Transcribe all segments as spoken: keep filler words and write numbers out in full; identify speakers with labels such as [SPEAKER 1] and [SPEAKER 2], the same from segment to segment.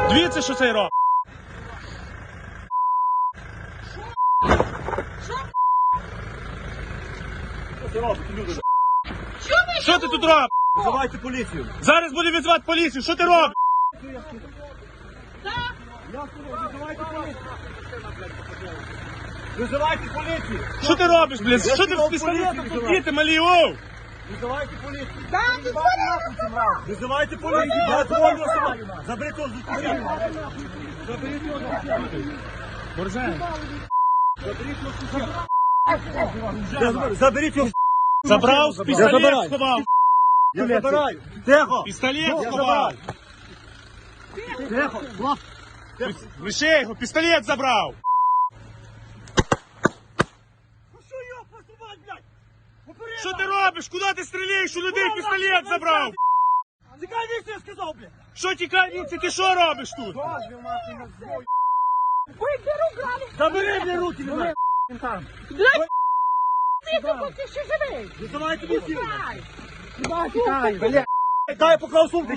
[SPEAKER 1] Дивіться, що цей робить. Що ти тут робиш?
[SPEAKER 2] Визивайте поліцію.
[SPEAKER 1] Зараз буде відзвати поліцію. Що ти робиш?
[SPEAKER 2] Визивайте поліцію. Визивайте поліцію.
[SPEAKER 1] Що ти робиш, блядь? Що ти з пістолетом тут діти малі, оу?
[SPEAKER 2] Визивайте поліцію.
[SPEAKER 3] Да, ти
[SPEAKER 2] Визивайте поліцію. Я твою особу. Заберіть його з дитини. Заберіть його з дитини. Заберіть його.
[SPEAKER 1] Забрав,
[SPEAKER 2] Я
[SPEAKER 1] пістолет
[SPEAKER 2] забираю.
[SPEAKER 1] сховав.
[SPEAKER 2] Я забираю. Тихо.
[SPEAKER 1] Пістолет сховав.
[SPEAKER 2] Тихо.
[SPEAKER 1] Лише його, пістолет забрав.
[SPEAKER 2] Що його посувати, блядь?
[SPEAKER 1] Що ти робиш? Куди ти стріляєш? У людей пістолет забрав.
[SPEAKER 2] Тікай віці, я сказав, блядь.
[SPEAKER 1] Що тікай віці? Ти що робиш тут?
[SPEAKER 3] Виберу грали.
[SPEAKER 2] Забери мені руки, блядь.
[SPEAKER 3] Ти тут ти ще живий.
[SPEAKER 2] Визивайте поліцію.
[SPEAKER 3] Тікай, блядь.
[SPEAKER 2] Дай я поклав сумку.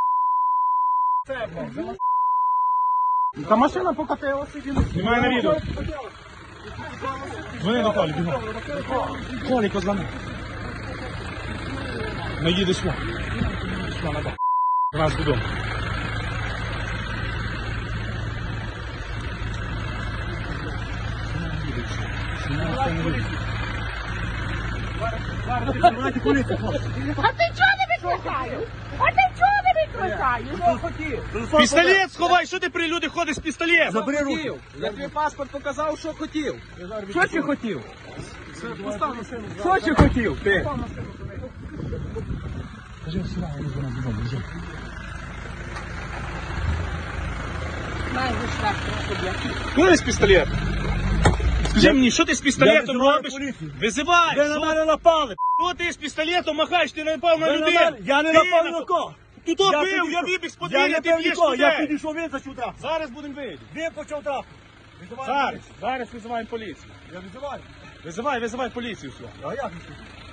[SPEAKER 1] Та машина покатилася. Знімай на відео. Дзвони до Толі, бігом. Толі, позвони. Не їдеш сюди. Сюди, на бок. До нас додому.
[SPEAKER 2] Визивайте поліцію, хлопці.
[SPEAKER 3] А ти чого не викликаєш? А ти чого не викликаєш?
[SPEAKER 2] Телефон
[SPEAKER 1] Пістолет сховай, що ти при люди ходиш з пістолетом?
[SPEAKER 2] Забери руки.
[SPEAKER 4] Я тобі паспорт показав, що хотів. Що ти хотів? Що ти хотів? Ти?
[SPEAKER 1] Куди з пістолетом? Скажи мені, що ти з пістолетом
[SPEAKER 2] визиваю
[SPEAKER 1] робиш?
[SPEAKER 2] поліцію.
[SPEAKER 1] Визивай!
[SPEAKER 2] Ви на
[SPEAKER 1] Що
[SPEAKER 2] мене напали.
[SPEAKER 1] що ти з пістолетом махаєш? Ти не напав на
[SPEAKER 2] Ви на
[SPEAKER 1] людей!
[SPEAKER 2] мене- Я не
[SPEAKER 1] Ти
[SPEAKER 2] напав
[SPEAKER 1] напав.
[SPEAKER 2] на кого.
[SPEAKER 1] Ти то
[SPEAKER 2] Я
[SPEAKER 1] бив, я
[SPEAKER 2] підійшов.
[SPEAKER 1] вибіг з
[SPEAKER 2] Я
[SPEAKER 1] подвір'я,
[SPEAKER 2] не
[SPEAKER 1] ти
[SPEAKER 2] бив
[SPEAKER 1] б'єш
[SPEAKER 2] нікого, я
[SPEAKER 1] людей!
[SPEAKER 2] підійшов, він зачав трап.
[SPEAKER 1] Зараз будемо вийти.
[SPEAKER 2] Він почав трап. Визивайте
[SPEAKER 1] Зараз,
[SPEAKER 2] поліцію.
[SPEAKER 1] зараз визиваємо поліцію.
[SPEAKER 2] Я визиваю.
[SPEAKER 1] Визивай, визивай поліцію сюди.
[SPEAKER 2] А як?